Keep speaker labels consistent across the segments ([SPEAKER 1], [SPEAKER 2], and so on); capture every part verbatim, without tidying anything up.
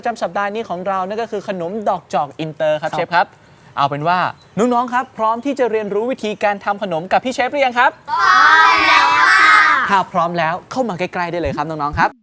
[SPEAKER 1] ประจำสัปดาห์นี้ของเรานั่นก็คือขนมดอกจอกอินเตอร์ครับเชฟครับเอาเป็นว่าน้องๆครับพร้อมที่จะเรียนรู้วิธีการทำขนมกับพี่เชฟหรือยังครับพร้อมแล้วค่ะถ้าพร้อมแล้วเข้ามาใกล้ๆได้เลยครับน้องๆครับ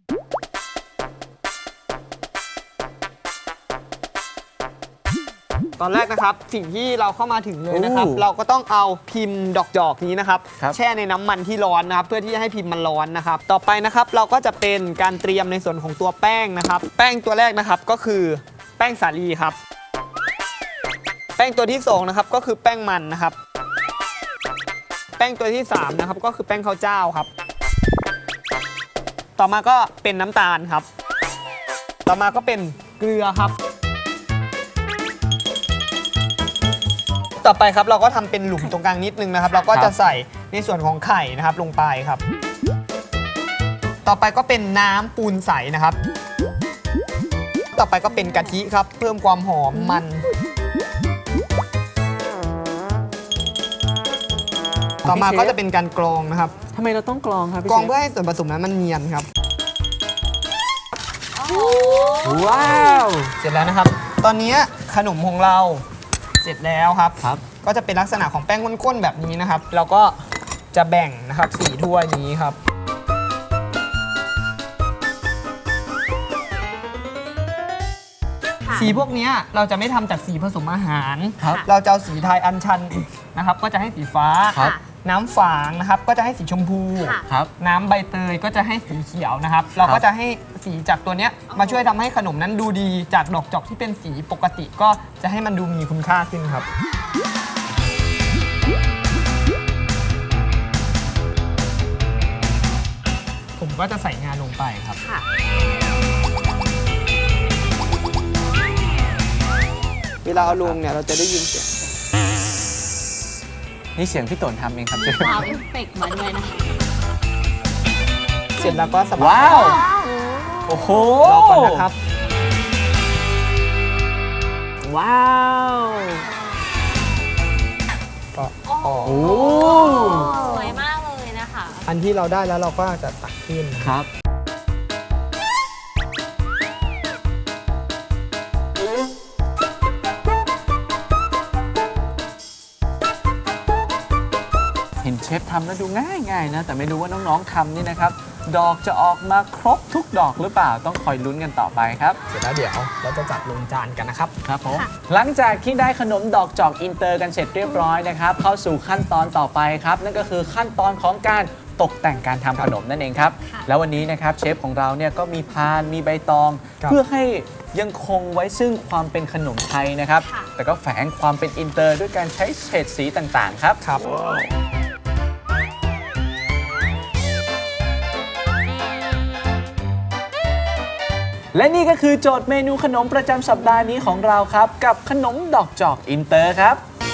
[SPEAKER 2] ตอนแรกนะครับสิ่งที่เราเข้ามาถึงเลยนะครับเราก็ต้องเอาพิมพ์ดอกจอกนี้นะครับแช่ในน้ำมันที่ร้อนนะครับเพื่อที่จะให้พิมพ์มันร้อนนะครับต่อไปนะครับเราก็จะเป็นการเตรียมในส่วนของตัวแป้งนะครับแป้งตัวแรกนะครับก็คือแป้งสาลีครับแป้งตัวที่สองนะครับก็คือแป้งมันนะครับแป้งตัวที่สามนะครับก็คือแป้งข้าวเจ้าครับต่อมาก็เป็นน้ำตาลครับต่อมาก็เป็นเกลือครับต่อไปครับเราก็ทำเป็นหลุมตรงกลางนิดนึงนะครับเราก็จะใส่ในส่วนของไข่นะครับลงไปครับต่อไปก็เป็นน้ำปูนใสนะครับต่อไปก็เป็นกะทิครับเพิ่มความหอมมันต่อมาก็จะเป็นการกรองนะครับ
[SPEAKER 1] ทำไมเราต้องกรองครับ
[SPEAKER 2] กรองเพื่อให้ส่วนผสมนั้นมันเนียนครับ
[SPEAKER 1] ว้าว
[SPEAKER 2] เสร็จแล้วนะครับตอนนี้ขนมของเราเสร็จแล้วครับ
[SPEAKER 1] ครับ
[SPEAKER 2] ก็จะเป็นลักษณะของแป้งข้นๆแบบนี้นะครับเราก็จะแบ่งนะครับสีถ้วยนี้ครับสีพวกนี้เราจะไม่ทำจากสีผสมอาหารเราจะเอาสีไทยอัญชันนะครับก็จะให้สีฟ้าน้ำฝางนะครับก็จะให้สีชมพูน้ำใบเตยก็จะให้สีเขียวนะครับเราก็จะให้สีจากตัวนี้มาช่วยทำให้ขนมนั้นดูดีจากดอกจอกที่เป็นสีปกติก็จะให้มันดูมีคุณค่าขึ้นครับผมก็จะใส่งาลงไปครับเวลาเอาลงเนี่ยเราจะได้ยินเสียง
[SPEAKER 1] นี่เสียงพี่ต้นทำเองครับเชฟ
[SPEAKER 3] ว้าวเอฟเฟกต์มาด้วยนะ
[SPEAKER 2] เสร็จแล้วก็สบาย
[SPEAKER 1] ว้าวโอ้โห
[SPEAKER 2] รอก่อนนะครับ
[SPEAKER 1] ว้าว
[SPEAKER 2] ก็
[SPEAKER 3] โอ้สวยมากเลยนะคะ
[SPEAKER 2] อันที่เราได้แล้วเราก็จะตักขึ้น
[SPEAKER 1] ครับเห็นเชฟทำแล้วดูง่ายๆนะแต่ไม่รู้ว่าน้องๆทำนี่นะครับดอกจะออกมาครบทุกดอกหรือเปล่าต้องคอยลุ้นกันต่อไปครับ
[SPEAKER 2] เสร็จแล้วเดี๋ยวเราจะจัดลงจานกันนะครับ
[SPEAKER 1] ครับผมหลังจากที่ได้ขนมดอกจอกอินเตอร์กันเสร็จเรียบร้อยนะครับเข้าสู่ขั้นตอนต่อไปครับนั่นก็คือขั้นตอนของการตกแต่งการทำขนมนั่นเองครับแล้ววันนี้นะครับเชฟของเราเนี่ยก็มีพานมีใบตองเพื่อให้ยังคงไว้ซึ่งความเป็นขนมไทยนะครับแต่ก็แฝงความเป็นอินเตอร์ด้วยการใช้เฉดสีต่างๆครับ
[SPEAKER 2] ครับ
[SPEAKER 1] และนี่ก็คือโจทย์เมนูขนมประจำสัปดาห์นี้ของเราครับกับขนมดอกจอกอินเตอร์ครับ